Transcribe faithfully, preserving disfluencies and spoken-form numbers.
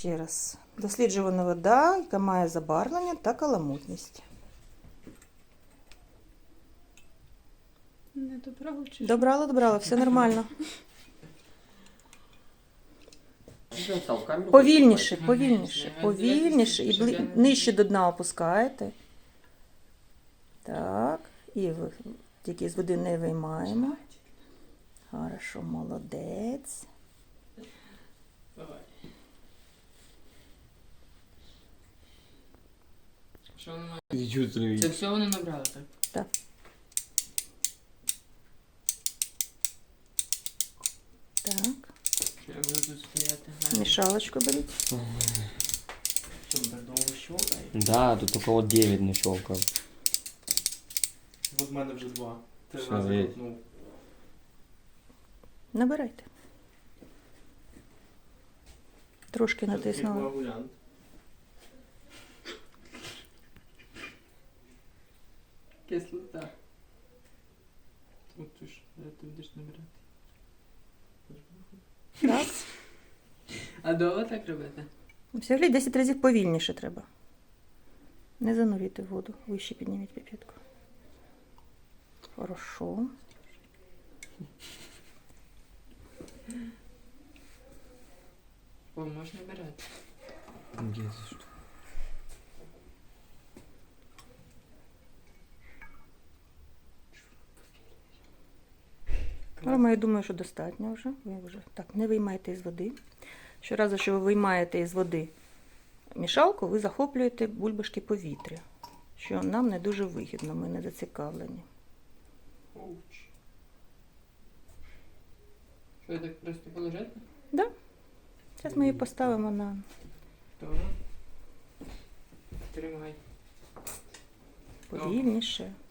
ще раз. Досліджувана вода, яка має забарвлення та каламутність. Не добрала чи що? Добрала, добрала, все нормально. Повільніше, повільніше, повільніше. І бли... нижче до дна опускаєте. Так. І ви... тільки з води не виймаємо. Хорошо, молодець. Давай. Що воно має? Ты чувствуешь? Це все вони набрали, так? Так. Так. Що я буду тут стояти? Гарно. Мішалочку беріть. Що, так довго щолкає? Да, тут около девять нащелкал. От в мене вже два. Три Все, рази є. крутнув. Набирайте. Трошки Це такий натиснули. коагулянт. Кислота. От ти ж, де ти будеш набирати? Так. А довго так робити? Взагалі десять разів повільніше треба. Не занурюйте в воду. Вище підніміть піпетку. Хорошо. О, можна набирати. Але я думаю, що достатньо вже. Ви вже так, не виймайте із води. Щоразу, що ви виймаєте із води мішалку, ви захоплюєте бульбашки повітря, що нам не дуже вигідно, ми не зацікавлені. Оуч. Що, я так просто положити? Да? Зараз ми її поставимо на Добре. Тримай. повільніше.